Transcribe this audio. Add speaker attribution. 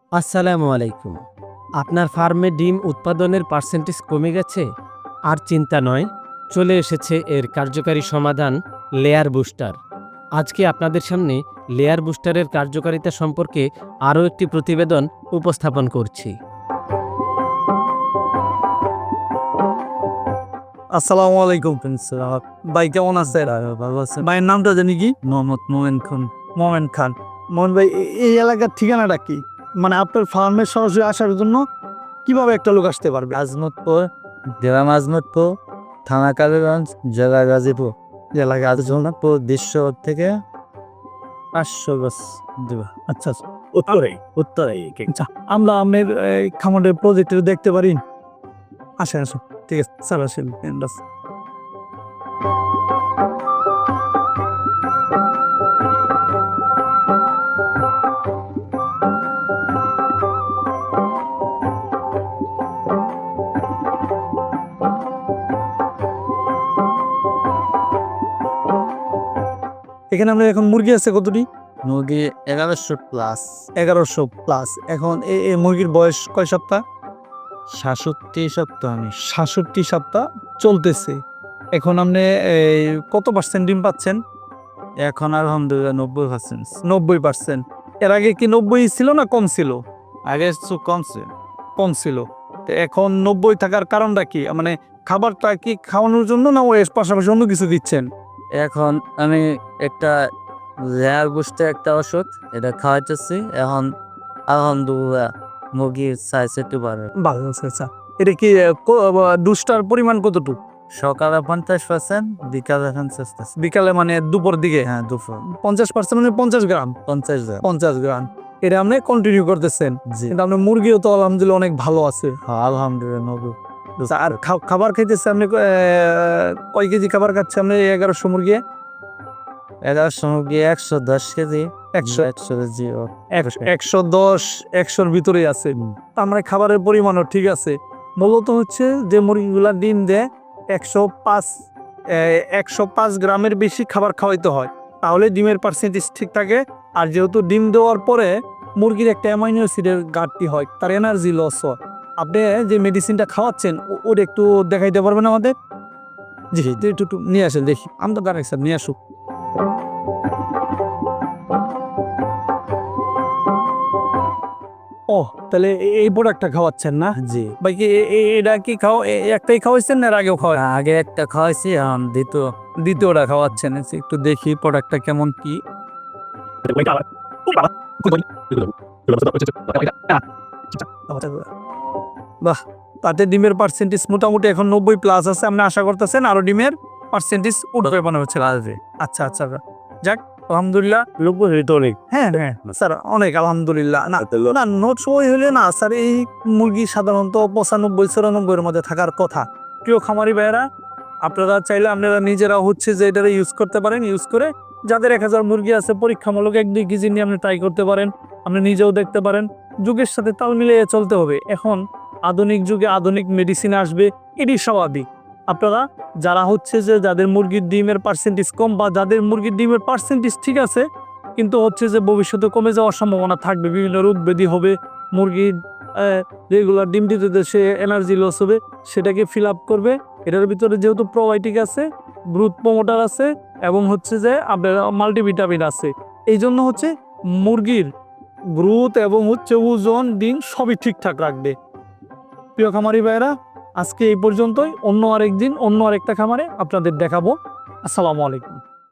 Speaker 1: আসসালামু আলাইকুম। আপনার ফার্মে ডিম উৎপাদনের পার্সেন্টেজ কমে গেছে? আর চিন্তা নয়, চলে এসেছে এর কার্যকারী সমাধান লেয়ার বুস্টার। আজকে আপনাদের সামনে লেয়ার বুস্টারের কার্যকারিতা সম্পর্কে আরও একটি প্রতিবেদন উপস্থাপন করছি।
Speaker 2: আসসালামু আলাইকুম ভাই, কেমন আছেন?
Speaker 3: ভালো আছেন?
Speaker 2: ভাইয়ের নামটা জানি কি?
Speaker 3: মোহাম্মদ মোমেন খান।
Speaker 2: মোমেন খান। মোহন ভাই, এই এলাকার ঠিকানাটা কি? মানে আপনার ফার্মে সরাসরি আসার জন্য কিভাবে একটা লোক আসতে পারবে?
Speaker 3: আজমতপুর, জেলা আজমতপুর, থানা কালীগঞ্জ, জেলা গাজীপুর।
Speaker 2: জেলা
Speaker 3: আজমতপুর দৃশ্য থেকে 500 গজ দেবা।
Speaker 2: আচ্ছা, উত্তরে আচ্ছা, আমরা আপনার খামারের প্রজেক্ট দেখতে পারি? আসেন আসুন, ঠিক আছে স্যার, আসেন। এখানে আমরা এখন মুরগি আছে কতটি?
Speaker 3: মুরগি 1100 প্লাস,
Speaker 2: 1100 প্লাস। এখন এই মুরগির বয়স কয় সপ্তাহ?
Speaker 3: 67 সপ্তাহ।
Speaker 2: 67 সপ্তাহ চলতেছে। এখন আপনি কত পার্সেন্ট ডিম পাচ্ছেন?
Speaker 3: এখন আলহামদুলিল্লাহ 90%।
Speaker 2: 90%। এর আগে কি 90 ছিল না কম ছিল?
Speaker 3: আগে একটু কমছে।
Speaker 2: কম ছিল। তো এখন 90 থাকার কারণটা কি? মানে খাবারটা কি খাওয়ানোর জন্য, না এর পাশাপাশি অন্য কিছু দিচ্ছেন?
Speaker 3: এখন আমি একটা লেয়ার বুস্টে একটা ওষুধ এটা খাওয়াইতেছি। এখন আলহামদুলিল্লাহ মুরগির সাইজ একটু বাড়ে।
Speaker 2: ভালো আছে। আচ্ছা, এটা কি ডোজটার পরিমাণ কতটুকু?
Speaker 3: সকালে 50%, বিকালে 50%।
Speaker 2: বিকালে মানে দুপুর দিকে?
Speaker 3: হ্যাঁ, দুপুর
Speaker 2: 50% মানে 50 গ্রাম।
Speaker 3: 50 গ্রাম।
Speaker 2: 50 গ্রাম এটা আপনি কন্টিনিউ করতেছেন।
Speaker 3: জি,
Speaker 2: কিন্তু আপনার মুরগিও তো আলহামদুলিল্লাহ অনেক ভালো আছে।
Speaker 3: হ্যাঁ, আলহামদুলিল্লাহ 90।
Speaker 2: আচ্ছা, আর খাবার খাইতেছে আপনি কয় কেজি খাবার খাচ্ছে আপনি 1100 মুরগি?
Speaker 3: 1100 মুরগি 110 কেজি।
Speaker 2: 100
Speaker 3: 100 কেজি
Speaker 2: 110 100-র ভিতরেই আছে। তার মানে খাবারের পরিমাণও ঠিক আছে। মূলত হচ্ছে যে মুরগিগুলা ডিম দেয় 105 গ্রামের বেশি খাবার খাওয়াইতে হয়, তাহলে ডিমের পার্সেন্টেজ ঠিক থাকে। আর যেহেতু ডিম দেওয়ার পরে মুরগির একটা অ্যামাইনো অ্যাসিডের ঘাটতি হয়, তার এনার্জি লস হয়। আপনি যে মেডিসিনটা খাওয়াচ্ছেন ওটা একটু দেখাইতে পারবেন আমাদের? জি, একটু নিয়ে আসেন দেখি। আমি তো গাড়ি স্যার, নিয়ে আসুক। ও, তাহলে এই প্রোডাক্টটা খাওয়াচ্ছেন না?
Speaker 3: জি।
Speaker 2: ভাই কি এটা কি একটাই খাওয়াইছেন না এর আগেও খাওয়া?
Speaker 3: আগে একটা খাওয়াইছি, এখন
Speaker 2: দ্বিতীয়টা খাওয়াচ্ছেন। একটু দেখি প্রোডাক্টটা কেমন কি। বাহ, তাতে ডিমের পার্সেন্টেজ মোটামুটি এখন 90+ আছে। আপনি আশা করতেছেন আরো ডিমের পার্সেন্টেজ উঠবে মনে হচ্ছে?
Speaker 3: আসবে।
Speaker 2: আচ্ছা আচ্ছা, যাক আলহামদুলিল্লাহ।
Speaker 3: 90 তো অনেক।
Speaker 2: হ্যাঁ হ্যাঁ স্যার, অনেক আলহামদুলিল্লাহ। না না, নোট সময় হলে না স্যার, এই মুরগি সাধারণত 95-94-এর মধ্যে থাকার কথা। প্রিয় খামারি ভাইয়েরা, আপনারা চাইলে আপনারা নিজেরা হচ্ছে যে এটা ইউজ করতে পারেন। ইউজ করে যাদের 1000 মুরগি আছে, পরীক্ষামূলক 1-2 কেজি নিয়ে আপনি ট্রাই করতে পারেন। আপনি নিজেও দেখতে পারেন। যুগের সাথে তাল মিলিয়ে চলতে হবে। এখন আধুনিক যুগে আধুনিক মেডিসিন আসবে, এটি স্বাভাবিক। আপনারা যারা হচ্ছে যে যাদের মুরগির ডিমের পার্সেন্টেজ কম, বা যাদের মুরগির ডিমের পার্সেন্টেজ ঠিক আছে কিন্তু হচ্ছে যে ভবিষ্যতে কমে যাওয়ার সম্ভাবনা থাকবে, বিভিন্ন রোগ ব্যাধি হবে, মুরগির রেগুলার ডিম দিতে সে এনার্জি লস হবে, সেটাকে ফিল আপ করবে। এটার ভিতরে যেহেতু প্রোবায়োটিক আছে, গ্রোথ প্রমোটার আছে, এবং হচ্ছে যে আপনার মাল্টিভিটামিন আছে, এই জন্য হচ্ছে মুরগির গ্রোথ এবং হচ্ছে ওজন, ডিম সবই ঠিকঠাক রাখবে। প্রিয় খামারি ভাইয়েরা, আজকে এই পর্যন্তই। অন্য আরেকদিন অন্য আরেকটা খামারে আপনাদের দেখাবো। আসসালামু আলাইকুম।